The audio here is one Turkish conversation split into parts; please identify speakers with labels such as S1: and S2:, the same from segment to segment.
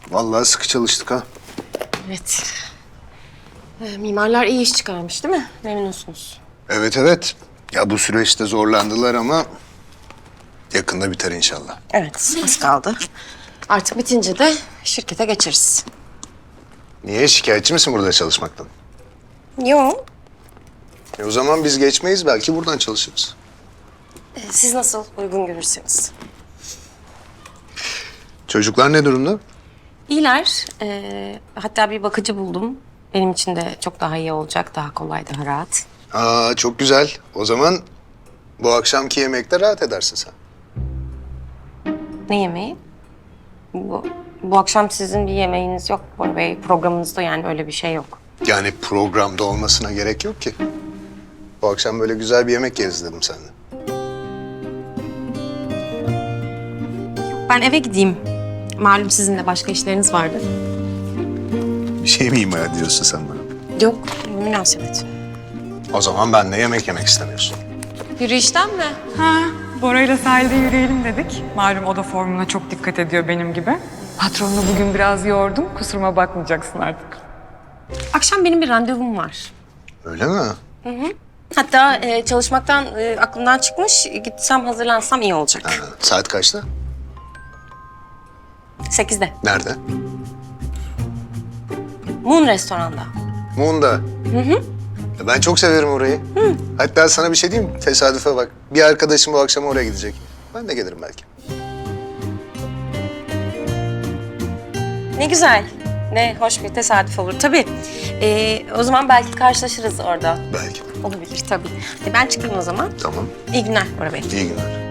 S1: Vallahi sıkı çalıştık ha.
S2: Evet. Mimarlar iyi iş çıkarmış değil mi? Memnunsunuz.
S1: Evet evet. Ya bu süreçte zorlandılar ama yakında biter inşallah.
S2: Evet, az kaldı. Artık bitince de şirkete geçeriz.
S1: Niye? Şikayetçi misin burada çalışmaktan?
S2: Yok.
S1: O zaman biz geçmeyiz, belki buradan çalışırız.
S2: Siz nasıl uygun görürseniz.
S1: Çocuklar ne durumda?
S2: İyiler. Hatta bir bakıcı buldum. Benim için de çok daha iyi olacak, daha kolay, daha rahat.
S1: Aa, çok güzel. O zaman bu akşamki yemekte rahat edersin sen.
S2: Ne yemeği? Bu akşam sizin bir yemeğiniz yok Bora Bey. Programınızda yani öyle bir şey yok.
S1: Yani programda olmasına gerek yok ki. Bu akşam böyle güzel bir yemek yeriz dedim seninle.
S2: Ben eve gideyim. Malum sizin de başka işleriniz vardı.
S1: Bir şey mi ima ediyorsun sen bana?
S2: Yok, münasebet.
S1: O zaman ben de yemek istemiyorsun.
S2: Yürüyüşten mi?
S3: Ha, Bora'yla sahilde yürüyelim dedik. Malum o da formuna çok dikkat ediyor benim gibi. Patronunu bugün biraz yordum. Kusuruma bakmayacaksın artık.
S2: Akşam benim bir randevum var.
S1: Öyle mi?
S2: Hatta çalışmaktan aklımdan çıkmış. Gitsem hazırlansam iyi olacak.
S1: Ha, saat kaçta?
S2: 8'de.
S1: Nerede?
S2: Moon restoranda.
S1: Moon'da. Ben çok severim orayı. Hatta sana bir şey diyeyim mi? Tesadüfe bak. Bir arkadaşım bu akşam oraya gidecek. Ben de gelirim belki.
S2: Ne güzel. Ne hoş bir tesadüf olur tabii. O zaman belki karşılaşırız orada.
S1: Belki.
S2: Olabilir tabii. Ben çıkayım o zaman.
S1: Tamam.
S2: İyi günler Bora Bey.
S1: İyi günler.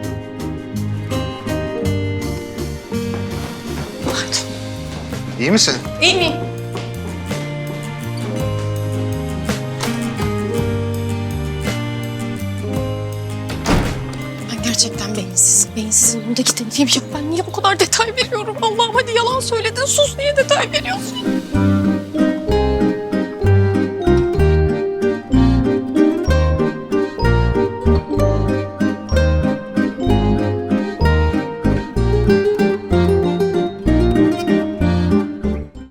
S1: İyi misin?
S2: İyi mi? Ben gerçekten beyinsizim. Beyinsizin önündeki tenefim yok. Ben niye bu kadar detay veriyorum? Allah'ım hadi yalan söyledin. Sus, niye detay veriyorsun?